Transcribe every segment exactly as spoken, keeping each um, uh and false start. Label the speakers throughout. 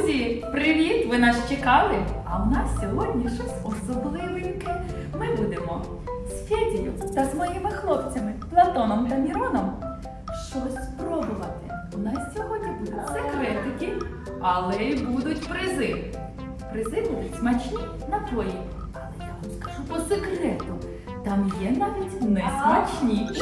Speaker 1: Друзі, привіт! Ви нас чекали? А у нас сьогодні щось особливеньке. Ми будемо з Федією та з моїми хлопцями Платоном та Міроном щось спробувати. У нас сьогодні будуть секретики, але й будуть призи. Призи будуть смачні напої. Але я вам скажу по секрету, там є навіть несмачні.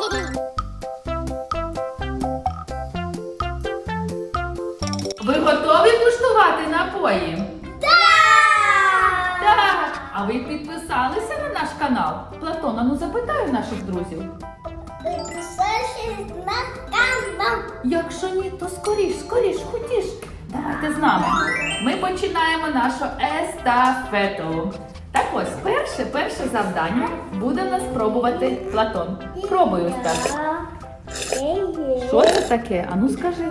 Speaker 1: Ви готові куштувати напої?
Speaker 2: Так!
Speaker 1: Так! А ви підписалися на наш канал? Платона, ну запитаю наших друзів.
Speaker 2: Підписуйтесь на канал.
Speaker 1: Якщо ні, то скоріш, скоріш, хотіш. Давайте з нами. Ми починаємо нашу естафету. Так ось, перше, перше завдання буде нас пробувати Платон. Пробуй ось так. Що це таке? Ану скажи.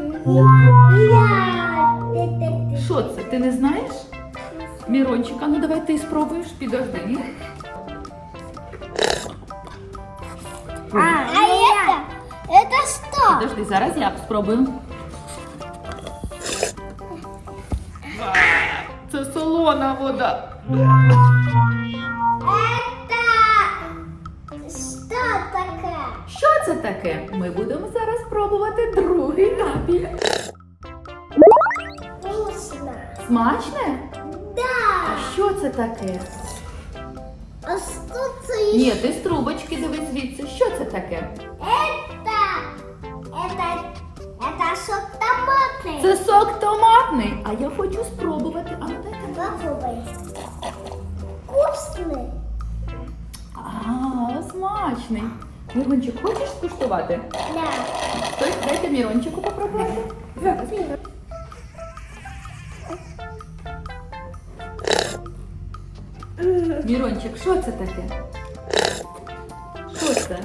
Speaker 1: Що це? Ти не знаєш? Мірончик, а ну давай ти спробуєш, підожди.
Speaker 2: А, а это? Это что?
Speaker 1: Подожди, зараз я спробую. Це солона вода.
Speaker 2: Это что такое?
Speaker 1: Що це таке? Ми будемо зараз пробувати другий напій.
Speaker 2: Вкусно.
Speaker 1: Смачне?
Speaker 2: Да.
Speaker 1: А що це таке?
Speaker 2: А что это?
Speaker 1: Ні, ти з трубочки дивись звідси. Що це таке?
Speaker 2: Это, это, это сок томатный.
Speaker 1: Це сок томатний. А я хочу спробувати. А ну дайте.
Speaker 2: Попробуй. Вкусный.
Speaker 1: А, смачний. Мірончик, хочеш скуштувати?
Speaker 2: Да.
Speaker 1: Стой, дайте Мірончику попробувати. Мірончик, що це таке? Що це?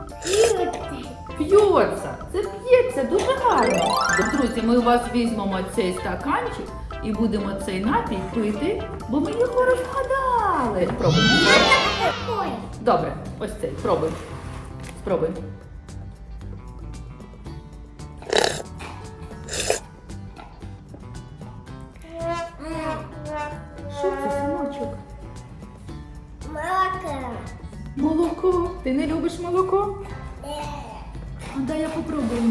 Speaker 1: П'ється. Це п'ється дуже гарно. Друзі, ми у вас візьмемо цей стаканчик і будемо цей напій пити, бо ми його розгадали. Пробуй.
Speaker 2: Ой.
Speaker 1: Добре, ось цей, пробуй. Спробуй. Що це, синочок?
Speaker 2: Молоко.
Speaker 1: Молоко. Ти не любиш молоко? А дай я попробую.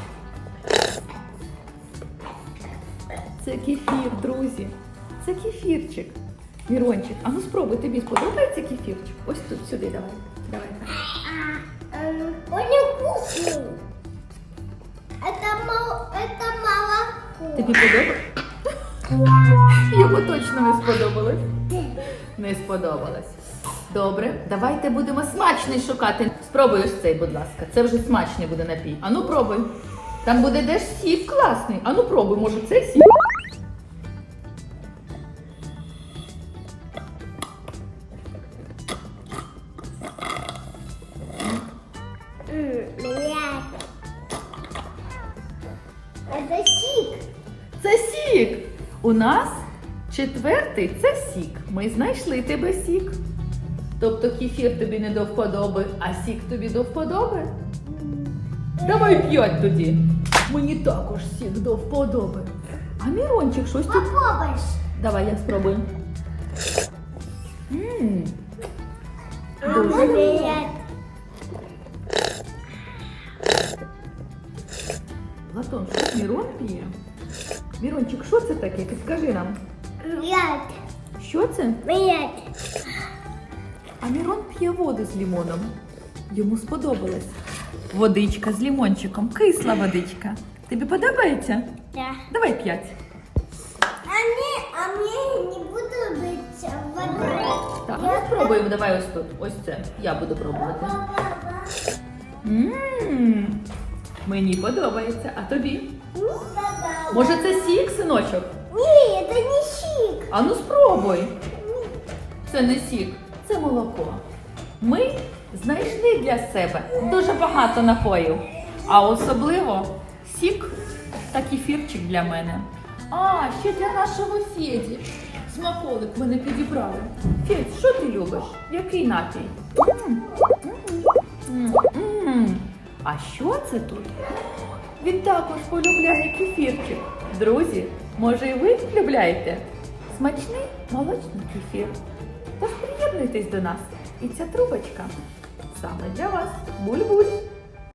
Speaker 1: Це кефір, друзі. Це кефірчик. Мірончик, а ну спробуй, тобі сподобається кефірчик? Ось тут, сюди, давай. Давай.
Speaker 2: Он вкусный. Это, мол... это молоко.
Speaker 1: Тобі подобається? Йому точно не сподобалось. Не сподобалось. Добре, давайте будемо смачний шукати. Спробуй ось цей, будь ласка. Це вже смачний буде напій. Ану пробуй. Там буде теж сік класний. Ану пробуй, може це сік?
Speaker 2: Блядь. Это сик.
Speaker 1: Це сік. У нас четвертий це сік. Ми знайшли тебе сік. Тобто кефір тобі не до вподоби, а сік тобі до вподоби? Давай п'ять тоді. Мені також сік до вподоби. А Мірончик щось тут.
Speaker 2: Попробуешь.
Speaker 1: Давай я спробую. Ммм.
Speaker 2: А
Speaker 1: Дуже.
Speaker 2: блядь.
Speaker 1: Платон, що Мірон п'є? Мірончик, що це таке? Підскажи нам.
Speaker 2: Блядь.
Speaker 1: Що це?
Speaker 2: Блядь.
Speaker 1: А Мірон п'є воду з лимоном. Йому сподобалось. Водичка з лимончиком. Кисла водичка. Тобі подобається?
Speaker 2: Да.
Speaker 1: Давай п'ять.
Speaker 2: А мне, а мне не буду быть водой.
Speaker 1: Так, ну спробуємо. Давай ось тут. Ось це. Я буду пробувати. Ммм. Мені подобається. А тобі? Може це сік, синочок?
Speaker 2: Не, это не сик.
Speaker 1: А ну спробуй. Це не сік, це молоко. Ми знайшли для себе дуже багато напоїв. А особливо сік та кефірчик для мене. А, ще для нашого Феді. Смаколик мене підібрали. Федь, що ти любиш? Який напій? М, м, м, м. А що це тут? Він також полюбляє кефірчик. Друзі, Може, і ви полюбляєте смачний молочний кефір? Тож приєднуйтесь до нас, і ця трубочка саме для вас. Буль-буль!